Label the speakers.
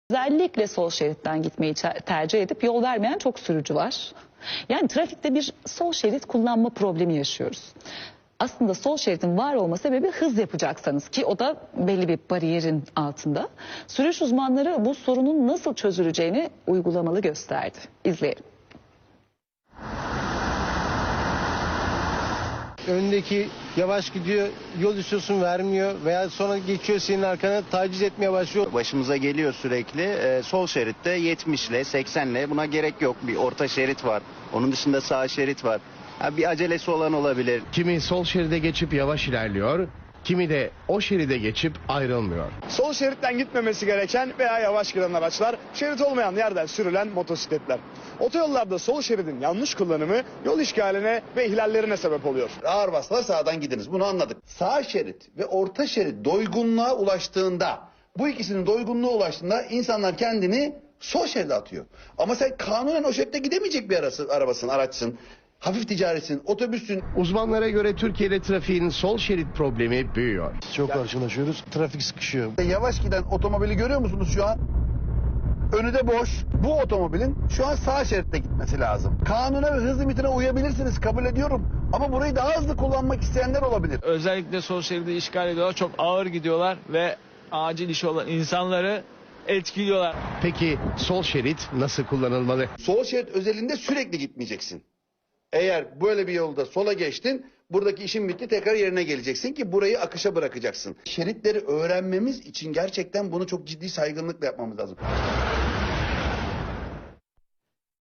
Speaker 1: Özellikle sol şeritten gitmeyi tercih edip yol vermeyen çok sürücü var. Yani trafikte bir sol şerit kullanma problemi yaşıyoruz. Aslında sol şeridin var olma sebebi hız yapacaksanız ki o da belli bir bariyerin altında. Sürüş uzmanları bu sorunun nasıl çözüleceğini uygulamalı gösterdi. İzleyelim.
Speaker 2: Öndeki yavaş gidiyor, yol istiyorsun vermiyor veya sonra geçiyor senin arkana taciz etmeye başlıyor.
Speaker 3: Başımıza geliyor sürekli. Sol şeritte 70 ile 80 ile buna gerek yok. Bir orta şerit var. Onun dışında sağ şerit var. Bir acelesi olan olabilir.
Speaker 4: Kimi sol şeride geçip yavaş ilerliyor, kimi de o şeride geçip ayrılmıyor.
Speaker 5: Sol şeritten gitmemesi gereken veya yavaş giden araçlar, şerit olmayan yerden sürülen motosikletler. Otoyollarda sol şeridin yanlış kullanımı yol işgaline ve ihlallerine sebep oluyor.
Speaker 6: Ağır bastılar sağdan gidiniz, bunu anladık. Sağ şerit ve orta şerit doygunluğa ulaştığında, bu ikisinin doygunluğa ulaştığında insanlar kendini sol şeride atıyor. Ama sen kanunen o şeritte gidemeyecek bir arabasın, araçsın. Hafif ticaretsin, otobüsün.
Speaker 4: Uzmanlara göre Türkiye'de trafiğin sol şerit problemi büyüyor.
Speaker 2: Çok karşılaşıyoruz, trafik sıkışıyor.
Speaker 6: Yavaş giden otomobili görüyor musunuz şu an? Önü de boş. Bu otomobilin şu an sağ şeritte gitmesi lazım. Kanuna ve hız limitine uyabilirsiniz, kabul ediyorum. Ama burayı daha hızlı kullanmak isteyenler olabilir.
Speaker 7: Özellikle sol şeridi işgal ediyorlar. Çok ağır gidiyorlar ve acil işi olan insanları etkiliyorlar.
Speaker 4: Peki sol şerit nasıl kullanılmalı?
Speaker 6: Sol şerit özelinde sürekli gitmeyeceksin. Eğer böyle bir yolda sola geçtin, buradaki işin bitti, tekrar yerine geleceksin ki burayı akışa bırakacaksın. Şeritleri öğrenmemiz için gerçekten bunu çok ciddi saygınlıkla yapmamız lazım.